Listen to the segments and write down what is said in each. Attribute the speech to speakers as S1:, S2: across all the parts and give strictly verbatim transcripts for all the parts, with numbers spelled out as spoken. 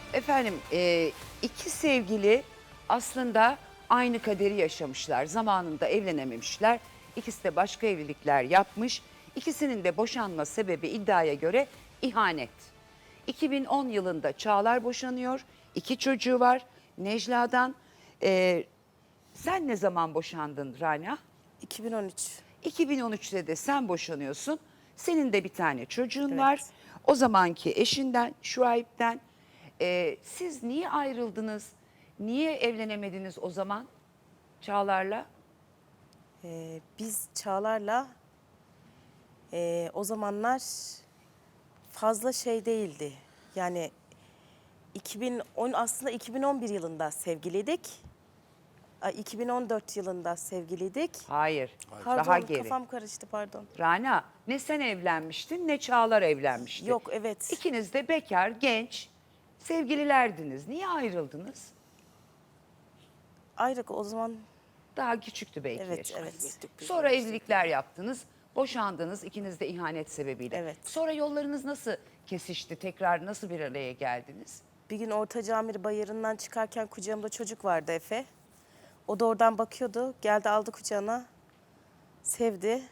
S1: Efendim e, iki sevgili aslında aynı kaderi yaşamışlar. Zamanında evlenememişler. İkisi de başka evlilikler yapmış. İkisinin de boşanma sebebi iddiaya göre ihanet. iki bin on yılında Çağlar boşanıyor. İki çocuğu var Necla'dan. E, sen ne zaman boşandın Rana?
S2: iki bin on üç.
S1: iki bin on üçte de sen boşanıyorsun. Senin de bir tane çocuğun
S2: Evet.
S1: var. O zamanki eşinden, Şuayb'den. Ee, siz niye ayrıldınız? Niye evlenemediniz o zaman Çağlar'la?
S2: Ee, biz Çağlar'la e, o zamanlar fazla şey değildi. Yani iki bin on aslında iki bin on bir yılında sevgiliydik. Ay, iki bin on dört yılında sevgiliydik.
S1: Hayır,
S2: Pardon,
S1: daha geri.
S2: kafam karıştı, pardon.
S1: Rana, ne sen evlenmiştin ne Çağlar evlenmişti.
S2: Yok, evet.
S1: İkiniz de bekar, genç sevgililerdiniz. Niye ayrıldınız?
S2: Ayrık o zaman,
S1: Daha küçüktü belki
S2: evet,
S1: yaşınız.
S2: evet.
S1: Sonra evlilikler yaptınız, boşandınız ikiniz de ihanet sebebiyle.
S2: Evet.
S1: Sonra yollarınız nasıl kesişti, tekrar nasıl bir araya geldiniz?
S2: Bir gün Orta Camir Bayırı'ndan çıkarken kucağımda çocuk vardı, Efe. O da oradan bakıyordu, geldi aldı kucağına, sevdi.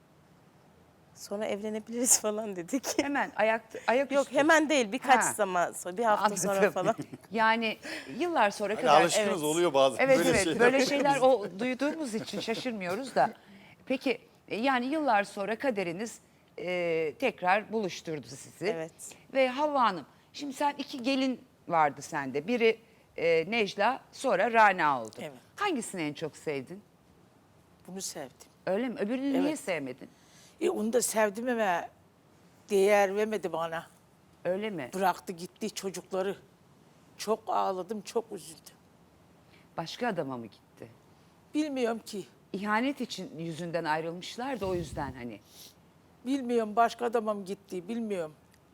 S2: Sonra evlenebiliriz falan dedik.
S1: Hemen ayak ayak
S2: Yok,
S1: üstü.
S2: hemen değil, birkaç
S1: Ha.
S2: zaman sonra, bir hafta sonra
S1: Anladım.
S2: falan.
S1: Yani yıllar sonra
S3: Hani
S1: kadar.
S3: alışkınız
S2: evet.
S3: oluyor bazen
S1: Evet
S3: böyle
S1: evet
S3: şeyler.
S1: böyle şeyler o duyduğumuz için şaşırmıyoruz da. Peki e, yani yıllar sonra kaderiniz e, tekrar buluşturdu sizi.
S2: Evet.
S1: Ve Havva Hanım, şimdi sen iki gelin vardı sende. Biri e, Necla, sonra Rana oldu.
S4: Evet.
S1: Hangisini en çok sevdin?
S4: Bunu sevdim.
S1: Öyle mi? Öbürünü niye
S4: Evet.
S1: sevmedin?
S4: E, onu da sevdim ama değer vermedi bana.
S1: Öyle mi?
S4: Bıraktı gitti çocukları. Çok ağladım, çok üzüldüm.
S1: Başka adama mı gitti?
S4: Bilmiyorum ki.
S1: İhanet için yüzünden ayrılmışlar da o yüzden hani.
S4: Bilmiyorum başka adama mı gitti, bilmiyorum.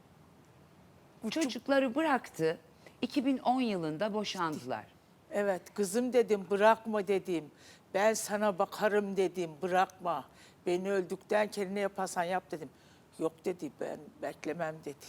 S1: Çocukları bıraktı. iki bin on yılında boşandılar.
S4: Evet, kızım dedim, bırakma dedim. Ben sana bakarım dedim, bırakma. Beni öldükten kendine ne yaparsan yap dedim. Yok dedi, ben beklemem dedi.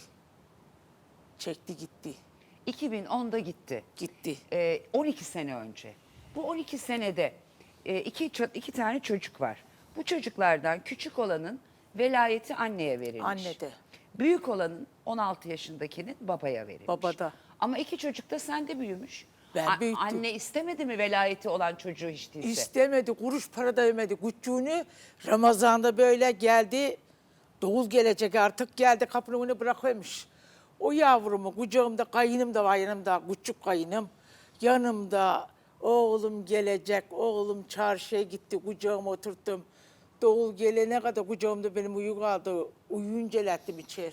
S4: Çekti gitti,
S1: iki bin onda gitti.
S4: gitti.
S1: Ee, on iki sene önce. Bu on iki senede e, iki, ço- iki tane çocuk var. Bu çocuklardan küçük olanın velayeti anneye verilmiş.
S4: Annede.
S1: Büyük olanın on altı yaşındakinin babaya verilmiş.
S4: Babada.
S1: Ama iki çocuk da sende büyümüş.
S4: Ben büyüttüm.
S1: Anne istemedi mi velayeti olan çocuğu hiç değilse?
S4: İstemedi, kuruş para da vermedi. Küçüğünü Ramazan'da böyle geldi, doğul gelecek artık geldi kapının önüne bırakıyormuş. O yavrumu kucağımda kayınım da var yanımda, küçük kayınım. Yanımda oğlum gelecek, oğlum çarşıya gitti, kucağıma oturttum. Doğul gelene kadar kucağımda benim uyu kaldı, uyuyunca elettim içeri.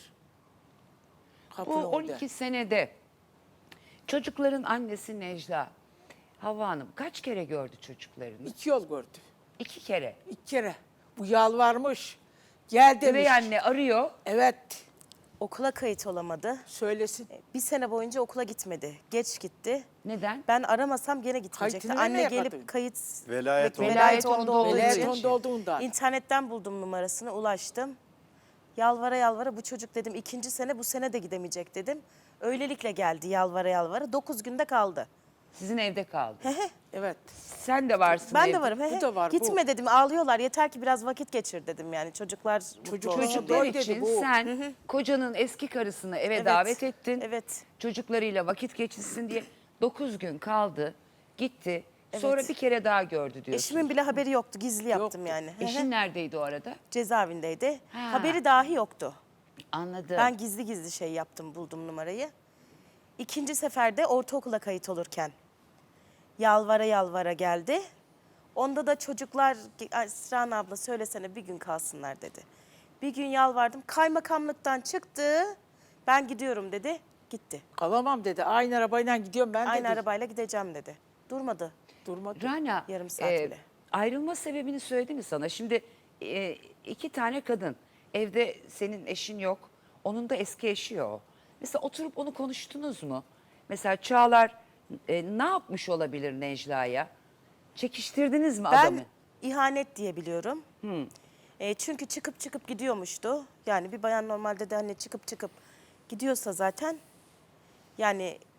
S1: Bu
S4: Kapının
S1: on
S4: önünde.
S1: iki senede çocukların annesi Necla, Havva Hanım kaç kere gördü çocuklarını?
S4: İki yol gördü,
S1: İki kere.
S4: iki kere. Bu yalvarmış, gel demiş.
S1: Üvey anne arıyor.
S4: Evet,
S2: Okula kayıt olamadı.
S4: söylesin.
S2: Bir sene boyunca okula gitmedi. Geç gitti.
S1: Neden?
S2: Ben aramasam gene gitmeyecekti.
S4: Kayıtını
S2: Anne
S4: nereye
S2: gelip
S4: kadın?
S2: kayıt...
S3: Velayet
S2: Velayet,
S1: Velayet
S2: onda
S1: onda
S2: olduğu
S1: olduğu
S4: Velayet
S2: için.
S1: için.
S4: onda olduğundan.
S2: İnternetten buldum numarasını, ulaştım. Yalvara yalvara bu çocuk dedim ikinci sene bu sene de gidemeyecek dedim. Öylelikle geldi yalvara yalvara. Dokuz günde kaldı.
S1: Sizin evde kaldı.
S4: Evet.
S1: Sen de varsın
S2: Ben
S1: evde.
S2: de varım. he
S4: Bu
S2: he.
S4: da var, bu.
S2: Gitme dedim, ağlıyorlar. Yeter ki biraz vakit geçir dedim yani. Çocuklar mutlu
S4: Çocuk-
S2: olsun.
S1: Çocuklar
S4: Doy dedi
S1: için
S4: bu.
S1: sen kocanın eski karısını eve
S2: Evet,
S1: davet ettin.
S2: evet.
S1: Çocuklarıyla vakit geçirsin diye dokuz gün kaldı. Gitti. Sonra
S2: Evet.
S1: bir kere daha gördü diyorsun.
S2: Eşimin bile haberi yoktu. Gizli yaptım
S4: Yoktu.
S2: yani. He he.
S1: Eşin neredeydi o arada?
S2: Cezaevindeydi.
S1: Ha.
S2: Haberi dahi yoktu.
S1: Anladım.
S2: Ben gizli gizli şey yaptım, buldum numarayı. İkinci seferde ortaokula kayıt olurken yalvara yalvara geldi. Onda da çocuklar, "Ay, Sran abla söylesene bir gün kalsınlar" dedi. Bir gün yalvardım, kaymakamlıktan çıktı. Ben gidiyorum dedi, gitti.
S4: Kalamam dedi. Aynı arabayla gidiyorum ben
S2: Aynı
S4: dedi.
S2: arabayla gideceğim dedi. Durmadı.
S4: Durmadı.
S1: Rana,
S2: Yarım saat bile.
S1: ayrılma sebebini söyledi mi sana? Şimdi e, iki tane kadın, evde senin eşin yok, onun da eski eşi o. Mesela oturup onu konuştunuz mu? Mesela Çağlar e, ne yapmış olabilir Necla'ya? Çekiştirdiniz mi
S2: Ben
S1: adamı?
S2: ihanet diye biliyorum. E, çünkü çıkıp çıkıp gidiyormuştu. Yani bir bayan normalde de hani çıkıp çıkıp gidiyorsa zaten yani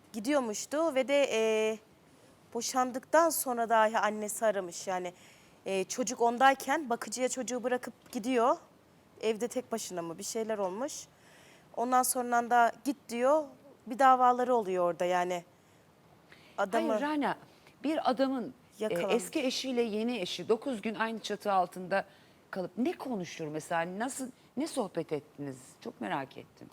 S2: gidiyormuştu ve de e, boşandıktan sonra dahi annesi aramış. Yani e, çocuk ondayken bakıcıya çocuğu bırakıp gidiyor. Evde tek başına mı bir şeyler olmuş. Ondan sonra da git diyor. Bir davaları oluyor orada yani. Adamı
S1: Hayır Rana, bir adamın e,
S2: Yakalanmış.
S1: eski eşiyle yeni eşi dokuz gün aynı çatı altında kalıp ne konuşur mesela? Nasıl, ne sohbet ettiniz? Çok merak ettim.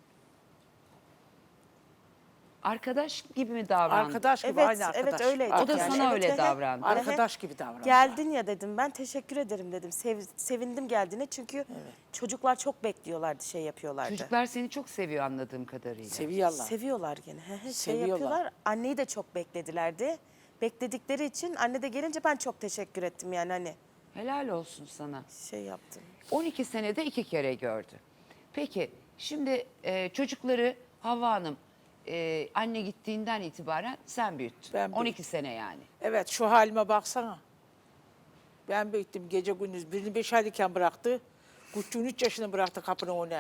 S1: Arkadaş gibi mi davrandı?
S4: Arkadaş gibi,
S2: Evet,
S4: aynı
S2: evet,
S4: arkadaş.
S2: öyleydi.
S1: O da
S2: Yani
S1: sana
S2: evet,
S1: öyle
S2: evet.
S1: davrandı.
S4: Arkadaş gibi davrandı.
S2: geldin ya dedim, ben teşekkür ederim dedim. Sev- sevindim geldiğine çünkü çocuklar çok bekliyorlardı, şey yapıyorlardı.
S1: Çocuklar seni çok seviyor anladığım kadarıyla.
S4: Seviyorlar.
S2: Seviyorlar gene. He he, şey
S4: Seviyorlar.
S2: yapıyorlar. Anneyi de çok bekledilerdi. Bekledikleri için anne de gelince ben çok teşekkür ettim yani hani
S1: Helal olsun sana.
S2: şey yaptım.
S1: on iki senede iki kere gördü. Peki şimdi e, çocukları Havva Hanım e, anne gittiğinden itibaren sen büyüttün.
S4: Ben
S1: on iki sene yani.
S4: Evet, şu halime baksana. Ben büyüttüm gece gündüz. Birini beş aylıkken bıraktı. Küçüğünü üç yaşını bıraktı kapının önüne.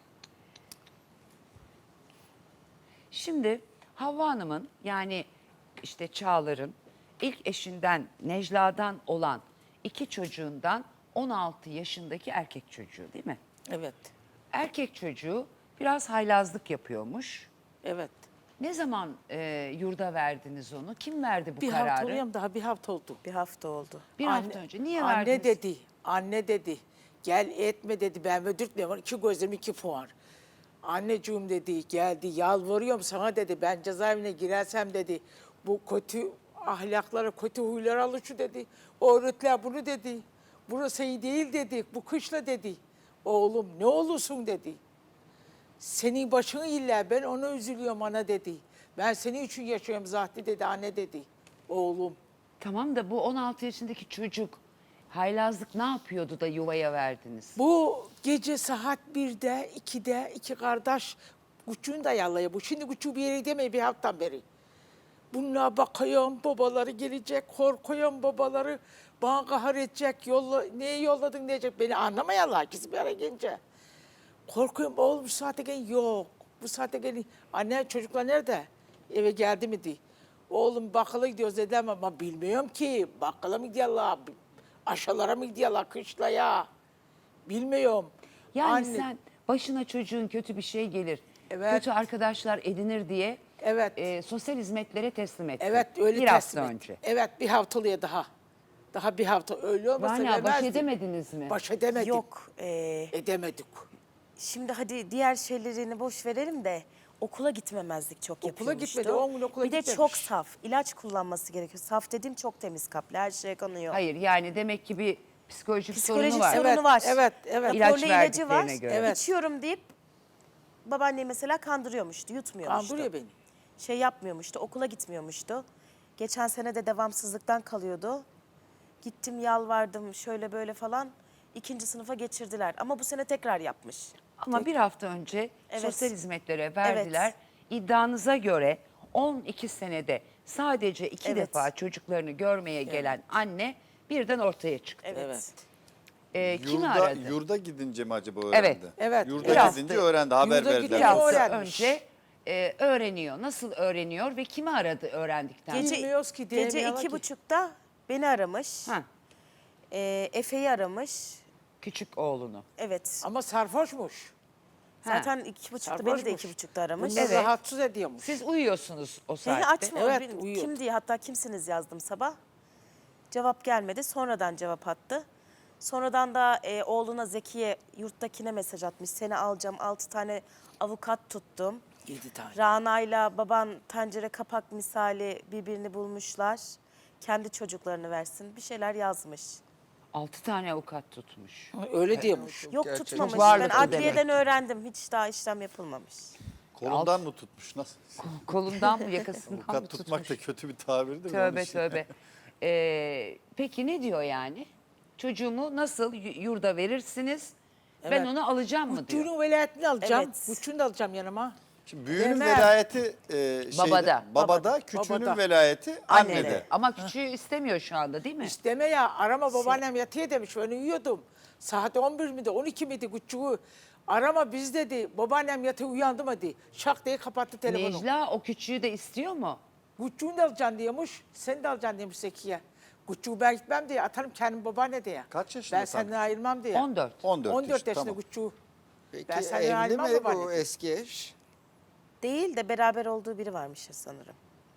S1: Şimdi Havva Hanım'ın yani işte Çağlar'ın ilk eşinden Necla'dan olan iki çocuğundan on altı yaşındaki erkek çocuğu değil mi?
S4: Evet,
S1: Erkek çocuğu biraz haylazlık yapıyormuş.
S4: evet.
S1: Ne zaman e, yurda verdiniz onu? Kim verdi bu
S4: Bir
S1: kararı?
S4: hafta oluyor mu? Daha bir hafta oldu.
S2: Bir hafta oldu.
S1: Bir hafta önce. Niye
S4: anne
S1: verdiniz?
S4: dedi, anne dedi. Gel etme dedi, ben öldürtmüyorum. İki gözüm iki puan. Anneciğim dedi, geldi yalvarıyorum sana dedi. Ben cezaevine girersem dedi. Bu kötü ahlaklara, kötü huylara alışıyor dedi. Öğretler bunu dedi. Burası iyi değil dedi. Bu kışla dedi. Oğlum ne olursun dedi. Senin başını illa ben ona üzülüyorum ana dedi. Ben senin için yaşıyorum zaten dedi anne dedi. Oğlum.
S1: Tamam da bu on altı yaşındaki çocuk haylazlık ne yapıyordu da yuvaya verdiniz?
S4: Bu gece saat birde, ikide iki kardeş küçüğünü de yallaya. Bu şimdi küçüğü bir yere gidemiyor bir haftadan beri. Bunlara bakıyorum, babaları gelecek, korkuyorum babaları. Bana kahır edecek, yolla, neye yolladın diyecek. Beni anlamayanlar ikisi bir araya gelince. Korkuyorum, oğlum bu saate gelin. Yok, bu saate gelin. Anne çocuklar nerede? Eve geldi mi diye. Oğlum bakkala gidiyoruz dediler ama bilmiyorum ki. Bakkala mı gidiyorlar, aşalara mı gidiyorlar, kışlaya? Bilmiyorum.
S1: Yani
S4: Anne-
S1: sen başına çocuğun kötü bir şey gelir,
S4: Evet.
S1: kötü arkadaşlar edinir diye
S4: Evet.
S1: e, sosyal hizmetlere teslim ettin.
S4: Evet öyle
S1: Bir
S4: teslim
S1: hafta
S4: et.
S1: önce.
S4: Evet bir haftalıya daha. Daha bir hafta öyle olmasa
S1: Rana baş
S4: vermezdim.
S1: edemediniz mi?
S4: Baş edemedik.
S2: Yok. e,
S4: Edemedik.
S2: şimdi hadi diğer şeylerini boş verelim de okula gitmemezlik çok
S4: Okula
S2: yapıyormuştu.
S4: gitmedi, on gün okula
S2: Bir de
S4: gitmemiş.
S2: çok saf. İlaç kullanması gerekiyor. Saf dediğim çok temiz kaplı. Her şeye kanıyor.
S1: Hayır yani demek ki bir psikolojik,
S2: Psikolojik
S1: sorunu var.
S2: sorunu
S4: Evet,
S2: var.
S4: evet, evet.
S1: İlaç
S2: Raporlu ilacı var.
S1: verdiklerine göre.
S4: Evet.
S2: İçiyorum deyip babaanneyi mesela kandırıyormuştu, yutmuyormuştu.
S4: Kandırıyor beni.
S2: Şey yapmıyormuştu, okula gitmiyormuştu. Geçen sene de devamsızlıktan kalıyordu. Gittim yalvardım şöyle böyle falan. İkinci sınıfa geçirdiler ama bu sene tekrar yapmış.
S1: Ama bir hafta önce
S2: Evet.
S1: sosyal hizmetlere verdiler. İddianıza göre on iki senede sadece iki
S2: Evet.
S1: defa çocuklarını görmeye gelen anne birden ortaya çıktı.
S2: Evet.
S4: Evet.
S1: Ee, kimi
S3: Yurda,
S1: aradı?
S3: yurda gidince mi acaba öğrendi?
S1: Evet.
S4: Evet.
S3: Yurda
S1: Biraz
S3: gidince
S1: da-
S3: öğrendi, haber
S4: Yurda
S3: verdiler.
S1: Bir
S4: gidince
S1: hafta
S4: öğrenmiş.
S1: önce e, öğreniyor. Nasıl öğreniyor ve kimi aradı öğrendikten sonra?
S2: Gece,
S4: Bilmiyoruz ki,
S2: gece
S4: diyemiyorlar
S2: iki
S4: ki.
S2: buçukta beni aramış.
S1: Ha,
S2: Ee, Efe'yi aramış.
S1: küçük oğlunu.
S2: Evet.
S4: Ama sarhoşmuş.
S1: Ha.
S2: Zaten iki buçukta beni de
S4: Sarhoşmuş.
S2: iki buçukta aramış.
S4: Bunları
S1: Evet.
S4: rahatsız ediyormuş.
S1: Siz uyuyorsunuz o
S2: Beni
S1: saatte.
S2: açma.
S4: Evet,
S2: Benim-
S4: uyuyordu.
S2: Kim diye hatta kimsiniz yazdım sabah. Cevap gelmedi. Sonradan cevap attı. Sonradan da e, oğluna Zekiye yurttakine mesaj atmış. Seni alacağım. Altı tane avukat tuttum.
S4: Yedi tane.
S2: Rana'yla baban tencere kapak misali birbirini bulmuşlar. Kendi çocuklarını versin. Bir şeyler yazmış.
S1: Altı tane avukat tutmuş.
S4: Öyle diyormuş.
S2: Yok
S3: Gerçekten.
S2: tutmamış.
S1: Çok
S2: Ben
S1: varlıklı
S2: adliyeden öğrendim. Hiç daha işlem yapılmamış.
S3: Kolundan mı tutmuş? Nasıl?
S1: Kolundan mı yakasından mı
S3: Avukat tutmak
S1: tutmuş?
S3: da kötü bir tabirdir. de
S1: Tövbe
S3: onun için.
S1: tövbe. Ee, peki ne diyor yani? Çocuğumu nasıl y- yurda verirsiniz? Ben
S4: Evet.
S1: onu alacağım mı diyor.
S4: Küçüğünün velayetini alacağım.
S2: Evet.
S4: Küçüğünü de alacağım yanıma.
S3: Şimdi büyüğünün
S4: Vermem.
S3: velayeti e, şeyde,
S1: Babada.
S3: babada, küçüğünün
S4: Babada.
S3: velayeti
S1: Annede.
S3: annede.
S1: Ama küçüğü istemiyor şu anda değil mi?
S4: İsteme ya arama babaannem yatıyor demiş. Ben uyuyordum. Saat on bir miydi on iki miydi küçüğü. Arama biz dedi. Babaannem yatağı uyandı mı dedi. Şak diye kapattı telefonu.
S1: Necla o küçüğü de istiyor mu?
S4: Guccuğunu da alacaksın diyormuş. Sen de alacaksın demiş Zekiye. Guccuğu ben gitmem diye atarım kendim babaanne diye.
S3: Kaç yaşında
S4: Ben
S3: sen?
S4: senden ayrılmam diye.
S1: on dört.
S3: on dört,
S4: on dört yaşında
S3: tamam.
S4: Guccuğu.
S5: Peki
S4: Ben senden
S5: evli
S4: ayrılmam
S5: mi
S4: babaanne
S5: bu
S4: diye.
S5: eski eş?
S2: Değil de beraber olduğu biri varmış ya sanırım.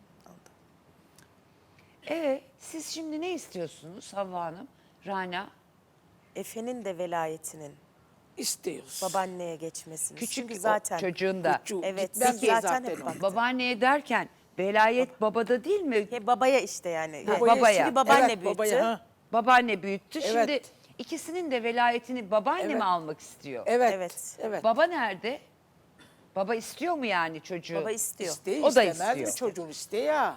S1: E siz şimdi ne istiyorsunuz Havva Hanım? Rana?
S2: Efe'nin de velayetinin
S4: İstiyoruz.
S2: babaanneye geçmesini.
S1: Küçük
S2: Çünkü
S1: o
S2: zaten
S1: çocuğun da.
S4: Guccuğu
S2: Evet,
S4: gitmez diye
S2: zaten hep
S4: zaten o.
S2: baktı.
S1: Babaanneye derken velayet babada değil mi?
S2: He, babaya işte yani.
S1: Ha,
S2: He,
S1: babaya.
S2: Şimdi babaanne
S4: Evet,
S2: büyüttü.
S4: babaya, ha.
S1: Babaanne büyüttü.
S4: Evet.
S1: Şimdi ikisinin de velayetini babaanne
S4: Evet.
S1: mi almak istiyor?
S4: Evet.
S2: Evet.
S4: Evet.
S1: Baba nerede? Baba istiyor mu yani çocuğu?
S2: Baba istiyor.
S4: İsteği
S1: O da
S4: istemez
S1: istiyor.
S4: mi çocuğun isteği ya.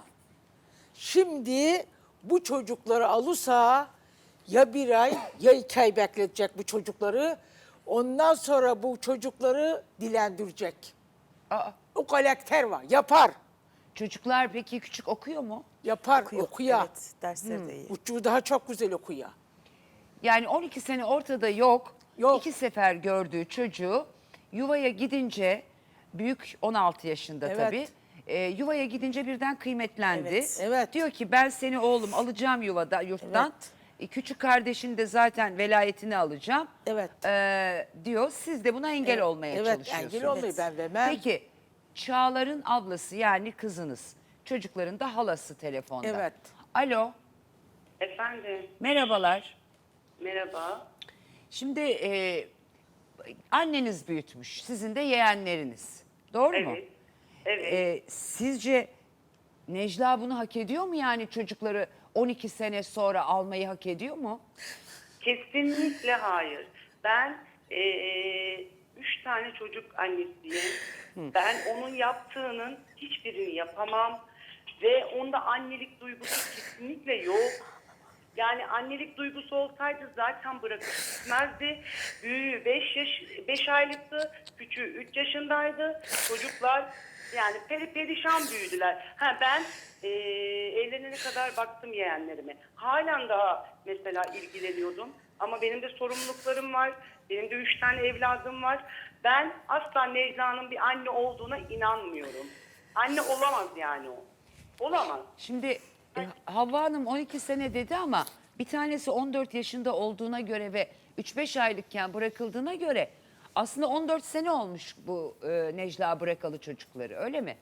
S4: Şimdi bu çocukları alırsa ya bir ay ya iki ay bekletecek bu çocukları. Ondan sonra bu çocukları dilendirecek.
S1: Aa,
S4: O karakter var. Yapar.
S1: çocuklar peki küçük okuyor mu?
S4: Yapar.
S2: Okuyor.
S4: Okuyor.
S2: Evet, dersleri de iyi.
S4: Uçuğu daha çok güzel okuyor.
S1: Yani on iki sene ortada yok.
S4: Yok.
S1: İki sefer gördüğü çocuğu yuvaya gidince büyük on altı yaşında
S4: Evet.
S1: tabii. e, yuvaya gidince birden kıymetlendi.
S2: Evet.
S4: Evet.
S1: Diyor ki ben seni oğlum alacağım yuvada yurttan.
S4: Evet.
S1: E, küçük kardeşin de zaten velayetini alacağım.
S4: Evet.
S1: E, diyor siz de buna engel olmaya
S4: Evet,
S1: çalışıyorsunuz.
S4: engel olmayı ben vermem.
S1: Peki Çağlar'ın ablası yani kızınız. Çocukların da halası telefonda.
S4: Evet.
S1: Alo
S6: Efendim,
S1: merhabalar.
S6: merhaba.
S1: Şimdi e, anneniz büyütmüş, sizin de yeğenleriniz. Doğru mu?
S6: Evet, evet.
S1: E, sizce Necla bunu hak ediyor mu yani çocukları on iki sene sonra almayı hak ediyor mu?
S6: Kesinlikle hayır. Ben eee, üç tane çocuk annesiyim. Ben onun yaptığının hiçbirini yapamam. Ve onda annelik duygusu kesinlikle yok. Yani annelik duygusu olsaydı zaten bırakıp gitmezdi. Büyüğü beş yaş beş aylıktı, küçüğü üç yaşındaydı. Çocuklar yani peri perişan büyüdüler. Ha ben eee evlenene kadar baktım yeğenlerime. Halen daha mesela ilgileniyordum. Ama benim de sorumluluklarım var. Benim de üç tane evladım var. Ben asla Necla'nın bir anne olduğuna inanmıyorum. Anne olamaz yani o. Olamaz.
S1: Şimdi e, Havva Hanım on iki sene dedi ama bir tanesi on dört yaşında olduğuna göre ve üç beş aylıkken bırakıldığına göre aslında on dört sene olmuş bu e, Necla bırakalı çocukları öyle mi?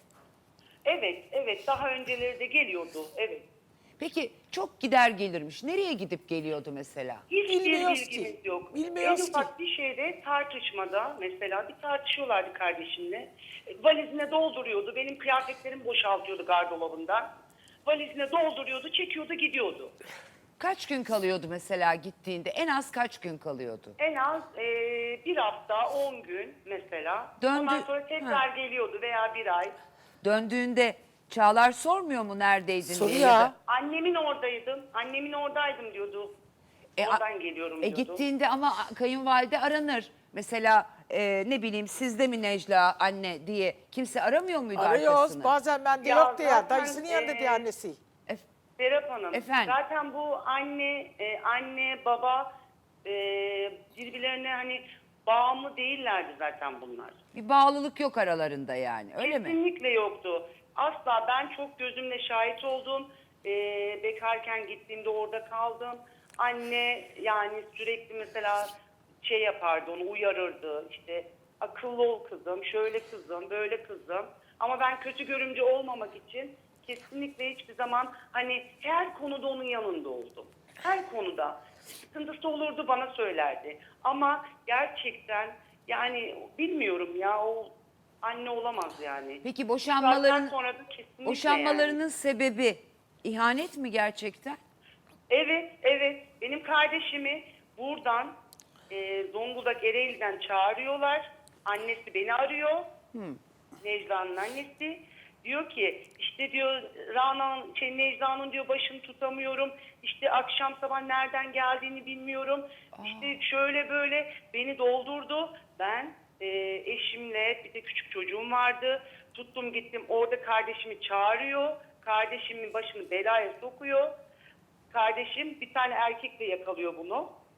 S6: Evet, evet. Daha önceleri de geliyordu. Evet.
S1: Peki çok gider gelirmiş. Nereye gidip geliyordu mesela?
S6: Hiçbir
S4: Bilmiyoruz
S6: bilgimiz
S4: ki.
S6: yok.
S4: Bilmiyoruz
S6: en
S4: ki.
S6: ufak bir şeyde tartışmada mesela bir tartışıyorlardı kardeşimle. E, Valizine dolduruyordu. Benim kıyafetlerimi boşaltıyordu gardırobundan. Valizine dolduruyordu, çekiyordu, gidiyordu.
S1: Kaç gün kalıyordu mesela gittiğinde? En az kaç gün kalıyordu?
S6: En az e, bir hafta, on gün mesela.
S1: Döndü-
S6: Ondan sonra tekrar geliyordu veya bir ay.
S1: Döndüğünde Çağlar sormuyor mu neredeydin diye?
S4: Soruyor.
S1: ya da-
S6: Annemin oradaydım, annemin oradaydım diyordu.
S1: E, a-
S6: Oradan geliyorum
S1: E
S6: diyordu.
S1: gittiğinde ama kayınvalide aranır. Mesela e, ne bileyim sizde mi Necla anne diye kimse aramıyor muydu
S4: Arıyoruz.
S1: arkasını?
S4: Bazen bende
S6: Ya
S4: yok diye.
S6: zaten,
S4: Dayısının yanında
S6: e,
S4: diye annesi.
S6: Serap Hanım,
S1: Efendim?
S6: zaten bu anne, e, anne, baba e, birbirlerine hani bağımlı değillerdi zaten bunlar.
S1: Bir bağlılık yok aralarında yani öyle mi?
S6: Kesinlikle yoktu. Asla ben çok gözümle şahit oldum. E, bekarken gittiğimde orada kaldım. Anne yani sürekli mesela şey yapardı, onu uyarırdı. İşte akıllı ol kızım, şöyle kızım, böyle kızım. Ama ben kötü görümce olmamak için kesinlikle hiçbir zaman hani her konuda onun yanında oldum. Her konuda. Sıkıntısı olurdu bana söylerdi. Ama gerçekten yani bilmiyorum ya o anne olamaz yani.
S1: Peki
S6: Zaten
S1: boşanmaların
S6: sonra da kesinlikle
S1: boşanmalarının
S6: yani.
S1: sebebi ihanet mi gerçekten?
S6: Evet, evet. Benim kardeşimi buradan e, Zonguldak Ereğli'den çağırıyorlar. Annesi beni arıyor. Necla'nın annesi. Diyor ki işte diyor Rana, şey, Necla'nın diyor başını tutamıyorum. İşte akşam sabah nereden geldiğini bilmiyorum. İşte şöyle böyle beni doldurdu. Ben e, eşimle bir de küçük çocuğum vardı. Tuttum gittim orada kardeşimi çağırıyor. Kardeşimin başını belaya sokuyor. Kardeşim bir tane erkekle yakalıyor bunu.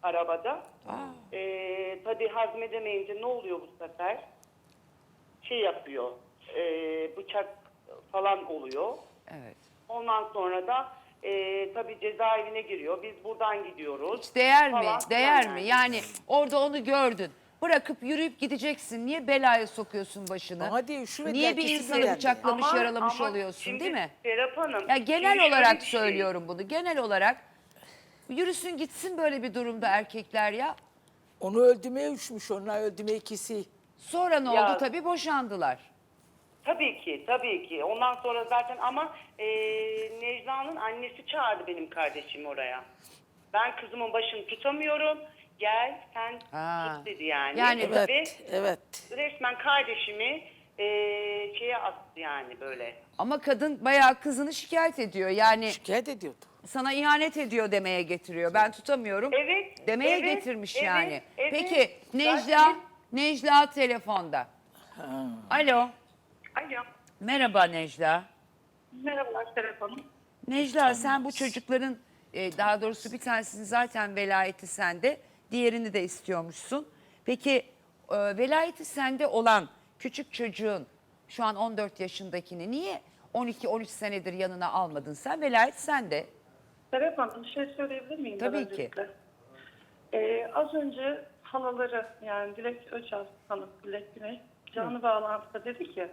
S6: arabada. Ee, tabii hazmedemeyince ne oluyor bu sefer? Şey yapıyor, e, bıçak falan oluyor.
S1: Evet.
S6: Ondan sonra da e, tabii cezaevine giriyor. Biz buradan gidiyoruz.
S1: Hiç değer mi?
S6: falan
S1: Değer
S6: filan
S1: mi?
S6: yani.
S1: Yani orada onu gördün. Bırakıp yürüyüp gideceksin. Niye belaya sokuyorsun başını?
S4: Bana değil, şu
S1: Niye
S4: verdiler,
S1: bir
S4: kesin
S1: insanı
S4: verdiler.
S1: bıçaklamış,
S6: Ama-
S1: yaralamış
S6: ama
S1: oluyorsun
S6: şimdi
S1: değil mi?
S6: Serap Hanım.
S1: Ya genel
S6: şimdi şöyle
S1: olarak
S6: bir şey.
S1: söylüyorum bunu. Genel olarak yürüsün gitsin böyle bir durumda erkekler ya.
S4: Onu öldürmeye üşmüş, onlar öldürmeye ikisi.
S1: Sonra ne
S6: Ya-
S1: oldu? Tabii boşandılar.
S6: Tabii ki, tabii ki. Ondan sonra zaten ama e, Necla'nın annesi çağırdı benim kardeşimi oraya. Ben kızımın başını tutamıyorum. Gel sen
S1: Ha.
S6: tut dedi yani.
S1: Yani-
S4: Evet,
S6: Ve
S4: evet.
S6: resmen kardeşimi e, şeye attı yani böyle.
S1: Ama kadın bayağı kızını şikayet ediyor. Yani
S4: Şikayet ediyordu.
S1: sana ihanet ediyor demeye getiriyor. Ben tutamıyorum.
S6: Evet,
S1: Demeye
S6: evet,
S1: getirmiş
S6: evet,
S1: yani.
S6: evet.
S1: Peki Necla,
S6: Zaten-
S1: Necla telefonda. Alo.
S6: Alo.
S1: Merhaba Necla.
S6: Merhabalar Serap Hanım.
S1: Necla sen bu çocukların e, daha doğrusu bir tanesinin zaten velayeti sende, diğerini de istiyormuşsun. Peki e, velayeti sende olan küçük çocuğun şu an on dört yaşındakini niye on iki on üç senedir yanına almadın sen? Velayet sende.
S5: Serap Hanım bir şey söyleyebilir miyim? ben
S1: Tabii ki.
S5: öncelikle? Ee, az önce halaları yani Dilek Öçal Hanım, Dilek Güney canlı bağlantıda dedi ki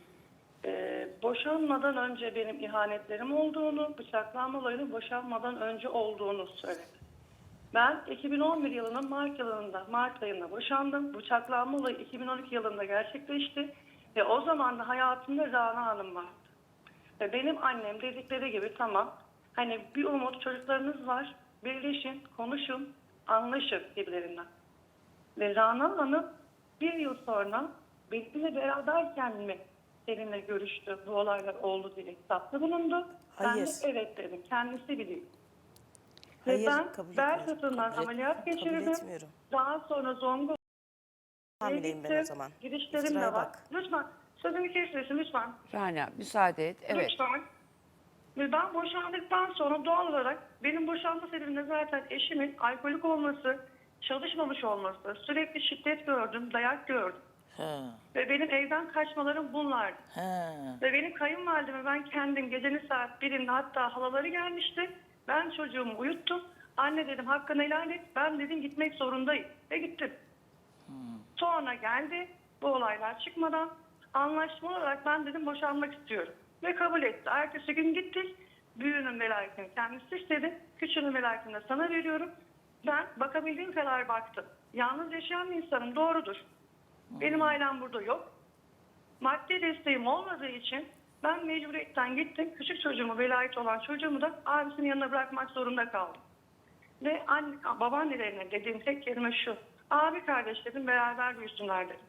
S5: e, boşanmadan önce benim ihanetlerim olduğunu, bıçaklanma olayının boşanmadan önce olduğunu söyledi. Ben iki bin on bir yılının Mart yılında, Mart ayında boşandım. Bıçaklanma olayı iki bin on iki yılında gerçekleşti ve o zaman da hayatımda Rana Hanım vardı. Ve benim annem dedikleri gibi tamam hani bir umut çocuklarınız var birleşin konuşun anlaşın gibilerinden. Ve Rana Hanım bir yıl sonra benimle beraberken mi seninle görüştü bu olaylar oldu diye hesapta bulundu. Ben
S2: Hayır.
S5: de evet dedim kendisi biliyor.
S2: Hayır,
S5: Ve ben
S2: kabul
S5: bel
S2: etmiyorum.
S5: fıtığından
S2: Kabul et-
S5: ameliyat
S2: kabul
S5: geçirdim.
S2: etmiyorum.
S5: Daha sonra Zonguldak
S2: Hamileyim ben o zaman.
S5: Gidişlerim de
S2: İftiraya
S5: var.
S2: bak.
S5: Lütfen sözümü kesmesin lütfen.
S1: Rana müsaade et. Evet.
S5: Lütfen. Ve ben boşandıktan sonra doğal olarak benim boşanma sebebimde zaten eşimin alkolik olması, çalışmamış olması, sürekli şiddet gördüm, dayak gördüm.
S4: Ha,
S5: Ve benim evden kaçmalarım bunlardı.
S4: ha.
S5: Ve benim kayınvalideme ben kendim gecenin saat birinde hatta halaları gelmişti. Ben çocuğumu uyuttum. Anne dedim hakkını helal et. Ben dedim gitmek zorundayım. Ve gittim. Sonra geldi bu olaylar çıkmadan anlaşma olarak ben dedim boşanmak istiyorum. Ve kabul etti. Ertesi gün gittik. Büyüğünün velayetini kendisi istedi. Küçüğünün velayetini de sana veriyorum. Ben bakabildiğim kadar baktım. Yalnız yaşayan bir insanım doğrudur. Benim ailem burada yok. Maddi desteğim olmadığı için ben mecburiyetten gittim. Küçük çocuğumu, velayet olan çocuğumu da abisinin yanına bırakmak zorunda kaldım. Ve anne, babaannelerine dediğim tek kelime şu. Abi kardeş dedim beraber büyüsünler dedim.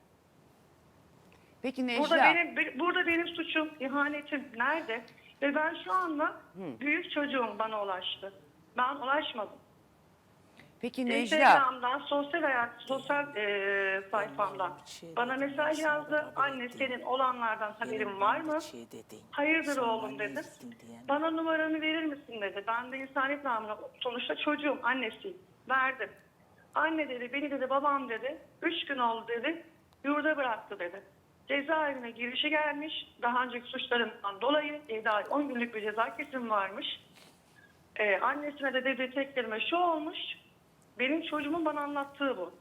S1: Peki Necla.
S5: Burada benim be- burada benim suçum, ihanetim nerede? Ve ben şu anda büyük çocuğum bana ulaştı. Ben ulaşmadım.
S1: Peki Necla.
S5: Instagram'dan, sosyal hayat, sosyal e, sayfamdan
S4: şey
S5: bana
S4: dedim,
S5: mesaj
S4: sana
S5: yazdı.
S4: da haber
S5: Anne
S4: ettim.
S5: senin olanlardan haberin
S4: Benim
S5: var mı?
S4: bir şey dedin.
S5: Hayırdır
S4: Sonra
S5: oğlum
S4: ne
S5: dedim.
S4: gittin diyen.
S5: Bana numaranı verir misin dedi. Ben de insaniyet namına sonuçta çocuğum, annesiyim. Verdim. Anne dedi, beni dedi, babam dedi. Üç gün oldu dedi. Yurda bıraktı dedi. Cezaevine girişi gelmiş. Daha önceki suçlarından dolayı yedi ay on günlük bir ceza kesimi varmış. Ee, annesine de dediği tek kelime şu olmuş. Benim çocuğumun bana anlattığı bu.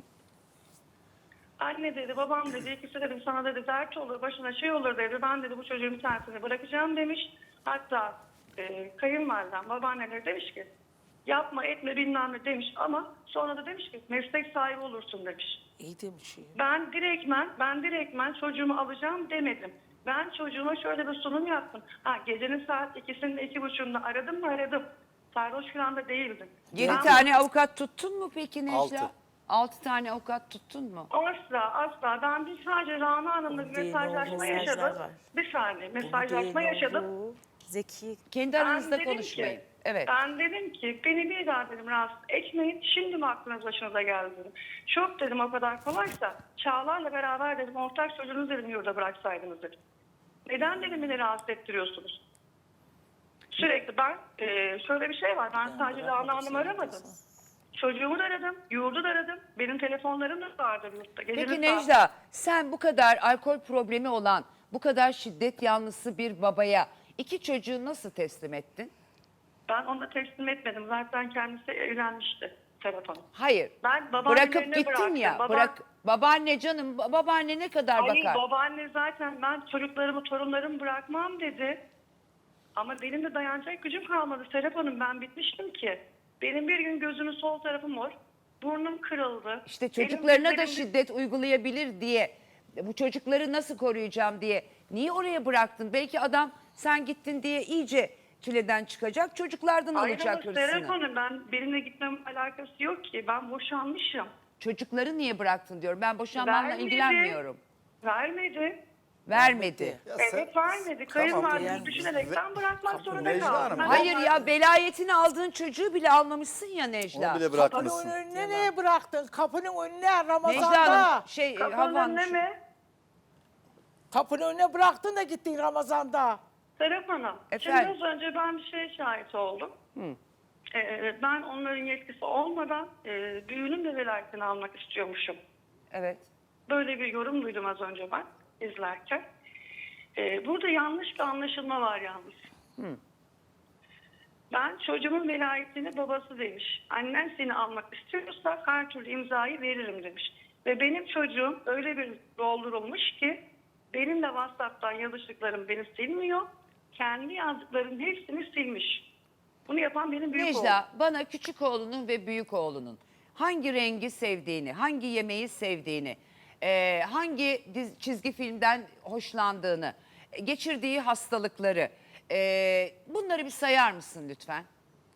S5: Anne dedi, babam dedi, ikisi dedim sana dedi dert olur, başına şey olur dedi. Ben dedi bu çocuğun bir tanesini bırakacağım demiş. Hatta e, kayınvalidem, babaanneleri demiş ki yapma etme bilmem ne demiş ama sonra da demiş ki meslek sahibi olursun demiş.
S4: İyi demiş ya.
S5: Ben direktmen, ben direktmen çocuğumu alacağım demedim. Ben çocuğuma şöyle bir sunum yaptım. Ha, gecenin saat ikisinde, iki buçuğunda aradım mı aradım. Sarhoş falan da değildim.
S1: Yedi
S5: Ben-
S1: tane avukat tuttun mu peki Necla?
S3: Altı.
S1: Altı tane avukat tuttun mu?
S5: Asla asla. Ben bir sadece Rana Hanım'la bir
S4: Bu değil,
S5: mesajlaşma
S4: o
S5: yaşadım.
S2: mesajlar var.
S5: Bir saniye
S4: Bu
S5: mesajlaşma
S4: değil,
S5: yaşadım.
S4: bu.
S2: Zeki
S1: Kendi
S5: Ben
S1: aranızda
S5: dedim
S1: konuşmayın.
S5: ki,
S1: Evet.
S5: Ben dedim ki beni bir daha dedim rahatsız etmeyin. Şimdi mi aklınız başınıza geldi dedim. Çok dedim o kadar kolaysa Çağlar'la beraber dedim ortak çocuğunuzu dedim yurda bıraksaydınız dedim. Neden dedim beni rahatsız ettiriyorsunuz? Sürekli ben e, şöyle bir şey var. Ben sadece Rana Hanım'ı aramadım. Çocuğumu da aradım, yurdu da aradım. Benim telefonlarım da vardır yurtta. Gecenin
S1: Peki
S5: saat-
S1: Necla, sen bu kadar alkol problemi olan, bu kadar şiddet yanlısı bir babaya iki çocuğu nasıl teslim ettin?
S5: Ben onu da teslim etmedim. Zaten kendisi evlenmişti Serap Hanım.
S1: Hayır.
S5: Ben babaannelerine
S1: Bırakıp gittin
S5: bıraktım.
S1: ya.
S5: Baba-
S1: Bırak babaanne canım, ba- babaanne ne kadar
S5: Hayır
S1: bakar?
S5: babaanne zaten ben çocuklarımı, torunlarımı bırakmam dedi. Ama benim de dayanacak gücüm kalmadı Serap Hanım. Ben bitmiştim ki. Benim bir gün gözümün sol tarafı mor. Burnum kırıldı.
S1: İşte
S5: Benim
S1: çocuklarına da
S5: dizlerim-
S1: şiddet uygulayabilir diye, bu çocukları nasıl koruyacağım diye niye oraya bıraktın? Belki adam sen gittin diye iyice çileden çıkacak, çocuklardan
S5: Hayır
S1: alacak
S5: ama Serap
S1: hırsını.
S5: Hanım ben benimle gitmem alakası yok ki. Ben boşanmışım.
S1: Çocukları niye bıraktın diyorum. Ben boşanmanla
S5: Vermedi.
S1: ilgilenmiyorum.
S5: Vermedi.
S1: Vermedi.
S3: Ya
S5: Evet
S3: sen-
S5: vermedi.
S3: Tamam,
S5: Kayınvalidemi
S3: yani-
S5: düşünerekten bırakmak zorunda
S3: Necla
S5: kaldım.
S3: Hanım,
S5: Ben-
S1: Hayır ya, velayetini aldığın çocuğu bile almamışsın ya Necla.
S3: Onu bile
S4: Kapının
S3: bırakmışsın.
S4: önüne neye bıraktın? Kapının önüne
S1: Necla
S4: Ramazan'da.
S1: Hanım şey
S5: Kapının
S1: Havan
S5: önüne mi?
S4: Kapının önüne bıraktın da gittin Ramazan'da.
S5: Serap Hanım,
S1: Efendim?
S5: şimdi az önce ben bir şeye şahit oldum. Ee, ben onların yetkisi olmadan e, düğünün de velayetini almak istiyormuşum.
S1: evet.
S5: Böyle bir yorum duydum az önce ben izlerken. Ee, burada yanlış bir anlaşılma var yalnız. Ben çocuğumun velayetini babası demiş. Annen seni almak istiyorsa her türlü imzayı veririm demiş. Ve benim çocuğum öyle bir doldurulmuş ki benim de WhatsApp'tan yazıştıklarım beni silmiyor. Kendi yazdıklarının hepsini silmiş. Bunu yapan benim büyük oğlum.
S1: Necla, bana küçük oğlunun ve büyük oğlunun hangi rengi sevdiğini, hangi yemeği sevdiğini, e, hangi diz- çizgi filmden hoşlandığını, e, geçirdiği hastalıkları, e, bunları bir sayar mısın lütfen?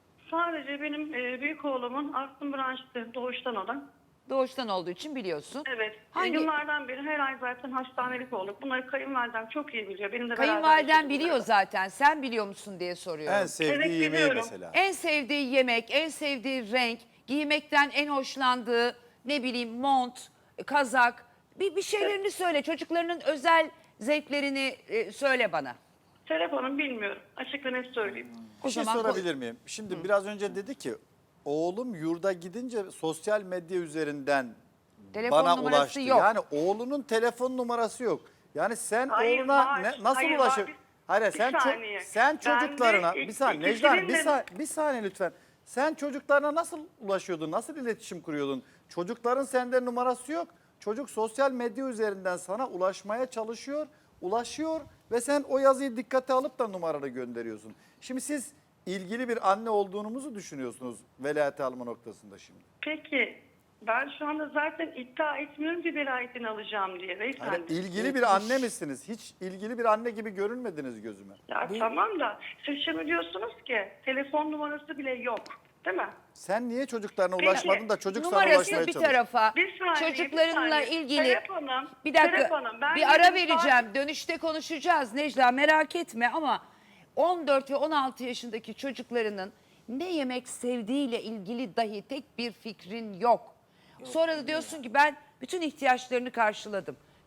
S5: Sadece benim e, büyük oğlumun astım branştı doğuştan olan.
S1: Doğuştan olduğu için biliyorsun.
S5: Evet.
S1: Hangi
S5: Yıllardan beri her ay zaten hastanelik olduk. Bunları kayınvalidem çok iyi biliyor. Benim de beraber
S1: kayınvaliden
S5: yaşadık
S1: biliyor
S5: bunları.
S1: zaten. Sen biliyor musun diye soruyorum.
S3: En sevdiği
S5: Evet,
S3: yemeği
S5: biliyorum.
S3: mesela.
S1: En sevdiği yemek, en sevdiği renk, giymekten en hoşlandığı ne bileyim mont, kazak. Bir, bir şeylerini söyle. Çocuklarının özel zevklerini e, söyle bana.
S5: Serap Hanım bilmiyorum. Açık ve net söyleyeyim.
S1: O
S3: Bir şey
S1: zaman
S3: sorabilir miyim? Şimdi biraz önce dedi ki oğlum yurda gidince sosyal medya üzerinden
S1: Telefon
S3: bana
S1: numarası
S3: ulaştı.
S1: yok.
S3: Yani oğlunun telefon numarası yok. Yani sen
S5: Hayır,
S3: oğluna
S5: var.
S3: ne, nasıl
S5: Hayır,
S3: ulaşır?
S5: var. Bir-
S3: Hayır
S5: bir
S3: sen ço-
S5: saniye.
S3: sen
S5: Ben de
S3: çocuklarına
S5: ilk-
S3: bir saniye
S5: ikisinin
S3: Necla Hanım bir,
S5: de-
S3: sa- bir saniye lütfen. Sen çocuklarına nasıl ulaşıyordun? Nasıl iletişim kuruyordun? Çocukların sende numarası yok. Çocuk sosyal medya üzerinden sana ulaşmaya çalışıyor, ulaşıyor ve sen o yazıyı dikkate alıp da numaranı gönderiyorsun. Şimdi siz ilgili bir anne olduğunuzu düşünüyorsunuz velayeti alma noktasında şimdi.
S5: Peki ben şu anda zaten iddia etmiyorum ki velayetini alacağım diye beyefendi.
S3: Yani ilgili bir anne misiniz? Hiç ilgili bir anne gibi görünmediniz gözüme.
S5: Ya tamam da siz şimdi diyorsunuz ki telefon numarası bile yok. Değil mi?
S3: Sen niye çocuklarına
S5: Peki,
S3: ulaşmadın da çocuk sana
S1: numarası
S3: ulaşmaya
S1: bir
S3: çalışıyor?
S1: tarafa,
S5: Bir saniye,
S1: çocuklarınla
S5: bir saniye.
S1: ilgili
S5: Serap Hanım,
S1: bir dakika
S5: Serap Hanım, ben
S1: bir ara
S5: yarın
S1: vereceğim.
S5: saat-
S1: Dönüşte konuşacağız Necla, merak etme, ama on dört ve on altı yaşındaki çocuklarının ne yemek sevdiğiyle ilgili dahi tek bir fikrin yok. Sonra da diyorsun ki ben bütün ihtiyaçlarını karşıladım.